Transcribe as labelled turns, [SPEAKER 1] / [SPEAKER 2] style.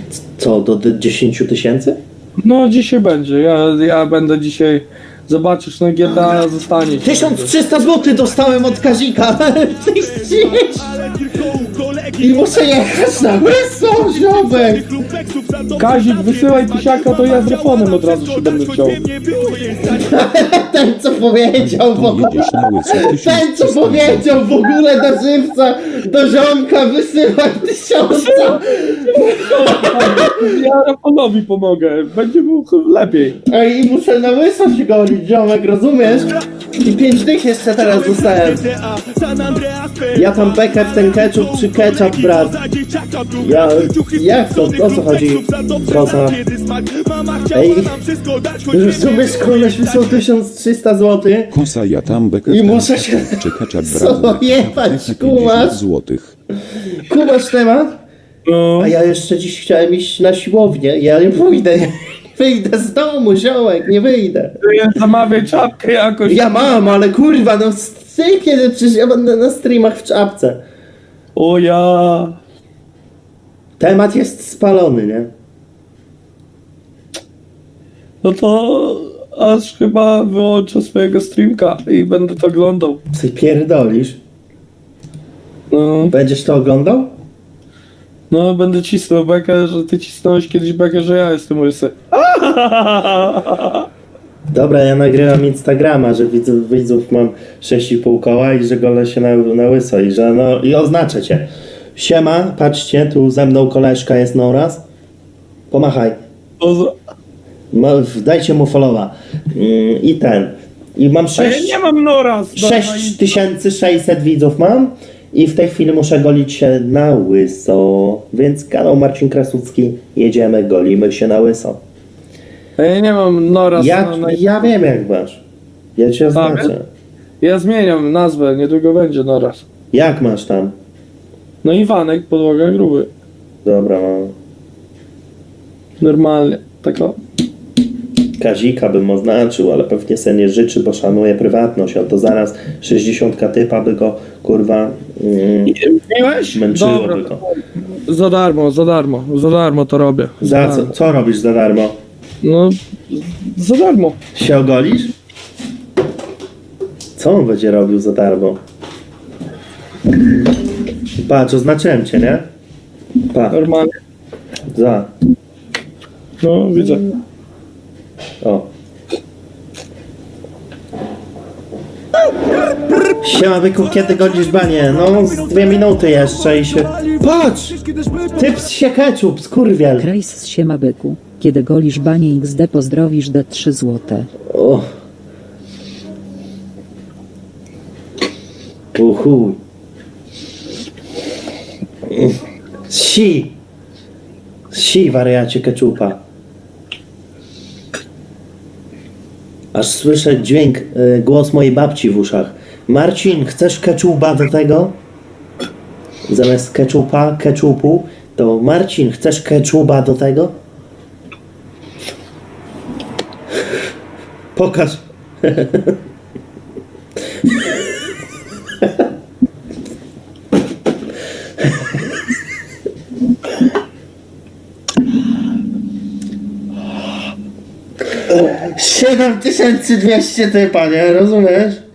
[SPEAKER 1] Co, do 10 tysięcy?
[SPEAKER 2] No dzisiaj będzie, ja będę dzisiaj, zobaczysz, na GTA zostanie.
[SPEAKER 1] 1300 zł dostałem od Kazika. I muszę jechać na Łyso, ziomek.
[SPEAKER 2] Kazik, wysyłaj tysiaka, to ja z telefonem od razu się będę chciał.
[SPEAKER 1] Ten co powiedział w ogóle.
[SPEAKER 3] Jedziesz na łyso
[SPEAKER 1] Ten co
[SPEAKER 3] 1300
[SPEAKER 1] powiedział w ogóle na żywca, do ziomka wysyłaj 1000.
[SPEAKER 2] Ja Rafonowi pomogę, będzie mu lepiej.
[SPEAKER 1] Ej, i muszę na Łyso się golić, ziomek, rozumiesz? I 5 dych jeszcze teraz dostałem. Ja tam bekę w ten ketchup czy ketchup, brat? Jak to? O co chodzi? Koza. Ej, rozumiesz, koleś wysłał 1300 zł.
[SPEAKER 3] Kosa ja tam bekę
[SPEAKER 1] I muszę się...
[SPEAKER 3] czy kaczap
[SPEAKER 1] Co
[SPEAKER 3] brawo.
[SPEAKER 1] jebać,
[SPEAKER 3] 50
[SPEAKER 1] kumasz?
[SPEAKER 3] złotych.
[SPEAKER 1] Kumasz temat?
[SPEAKER 2] No.
[SPEAKER 1] A ja jeszcze dziś chciałem iść na siłownię. Ja nie pójdę, nie wyjdę z domu, ziołek, nie wyjdę.
[SPEAKER 2] Zamawiaj czapkę jakoś.
[SPEAKER 1] Ja mam, ale kurwa, no ty kiedy przecież ja będę na streamach w czapce.
[SPEAKER 2] O ja.
[SPEAKER 1] Temat jest spalony, nie?
[SPEAKER 2] No to aż chyba wyłączę swojego streamka i będę to oglądał.
[SPEAKER 1] Ty pierdolisz.
[SPEAKER 2] No,
[SPEAKER 1] Będziesz to oglądał?
[SPEAKER 2] no będę cisnął bekę, że ty cisnąłeś kiedyś bekę, że ja jestem łysy.
[SPEAKER 1] Dobra, ja nagrywam Instagrama, że widzów mam 6,5 koła i że golę się na łyso i że no i oznaczę cię. Siema, patrzcie, tu ze mną koleżka jest Noraz. Pomachaj. Dajcie mu followa. I ten. I mam
[SPEAKER 2] A ja nie mam Noraz.
[SPEAKER 1] 6600 widzów mam. I w tej chwili muszę golić się na łyso. Więc kanał Marcin Krasucki. Jedziemy, golimy się na łyso.
[SPEAKER 2] A ja nie mam Noraz.
[SPEAKER 1] Ja wiem jak masz. Ja cię oznaczę.
[SPEAKER 2] Ja zmieniam nazwę, niedługo będzie Noraz.
[SPEAKER 1] Jak masz tam?
[SPEAKER 2] No Iwanek, podłoga gruby.
[SPEAKER 1] Dobra, mam.
[SPEAKER 2] Normalnie, tak o.
[SPEAKER 1] Kazika bym oznaczył, ale pewnie se nie życzy, bo szanuje prywatność. A to zaraz 60 typa by go, kurwa,
[SPEAKER 2] Miłeś?
[SPEAKER 1] męczyłoby
[SPEAKER 2] Dobra.
[SPEAKER 1] go.
[SPEAKER 2] Za darmo to robię.
[SPEAKER 1] Za co? Co robisz za darmo?
[SPEAKER 2] No, za darmo.
[SPEAKER 1] Się ogolisz? Co on będzie robił za darmo? Patrz, oznaczyłem cię, nie? Pa,
[SPEAKER 2] Normalnie.
[SPEAKER 1] za.
[SPEAKER 2] No, widzę.
[SPEAKER 1] O. Siema byku, kiedy godzisz banie? No, z 2 minuty jeszcze i się... Patrz! Typ się ketchup, skurwiel.
[SPEAKER 4] Krajs z siema byku. Kiedy golisz banie XD pozdrowisz D3 złote.
[SPEAKER 1] O. Uhu. Si, wariacie keczupa. Aż słyszę dźwięk, głos mojej babci w uszach. Marcin, chcesz keczupa do tego? Zamiast keczupu, to Marcin, chcesz keczupa do tego? Pokaż. $7200 typa, nie? Rozumiesz?